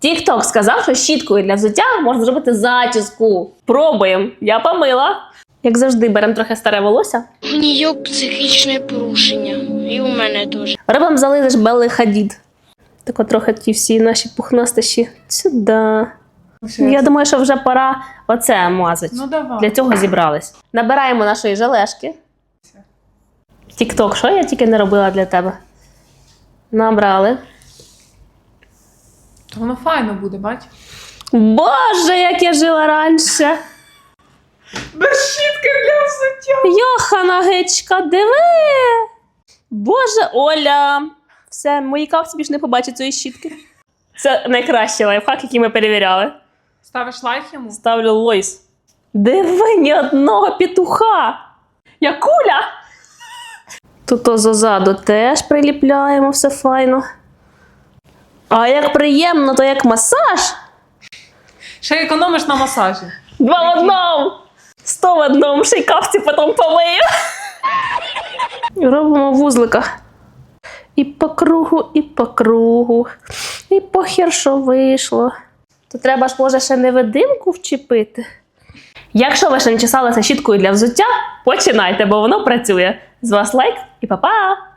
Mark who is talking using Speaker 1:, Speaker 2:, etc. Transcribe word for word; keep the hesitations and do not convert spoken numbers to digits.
Speaker 1: Тік-ток сказав, що щіткою для взуття можна зробити зачіску. Пробуємо. Я помила. Як завжди, беремо трохи старе волосся.
Speaker 2: В неї психічне порушення. І у мене теж.
Speaker 1: Робимо зализиш Белли Хадід. Так от трохи ті всі наші пухнастищі сюди. Я думаю, що вже пора оце мазати.
Speaker 3: Ну давай.
Speaker 1: Для цього зібрались. Набираємо нашої желешки. Тік-ток, що я тільки не робила для тебе? Набрали.
Speaker 3: То воно файно буде, бач?
Speaker 1: Боже, як я жила раніше.
Speaker 3: Без щітки для взуття.
Speaker 1: Йохана гичка, диви. Боже, Оля. Все, мої кавці більше не побачать цієї щітки. Це найкращий лайфхак, який ми перевіряли.
Speaker 3: Ставиш лайк йому?
Speaker 1: Ставлю лойс. Диви, ні одного петуха. Я куля. Тут ззаду теж приліпляємо, все файно. А як приємно, то як масаж.
Speaker 3: Ще економиш на масажі.
Speaker 1: Два в одному. Сто в одному. Ще й кавці потім помию. Робимо вузлика. І по кругу, і по кругу. І похер, що вийшло. То треба ж, може, ще невидимку вчепити. Якщо ви ще не чесалися щіткою для взуття, починайте, бо воно працює. З вас лайк і па-па!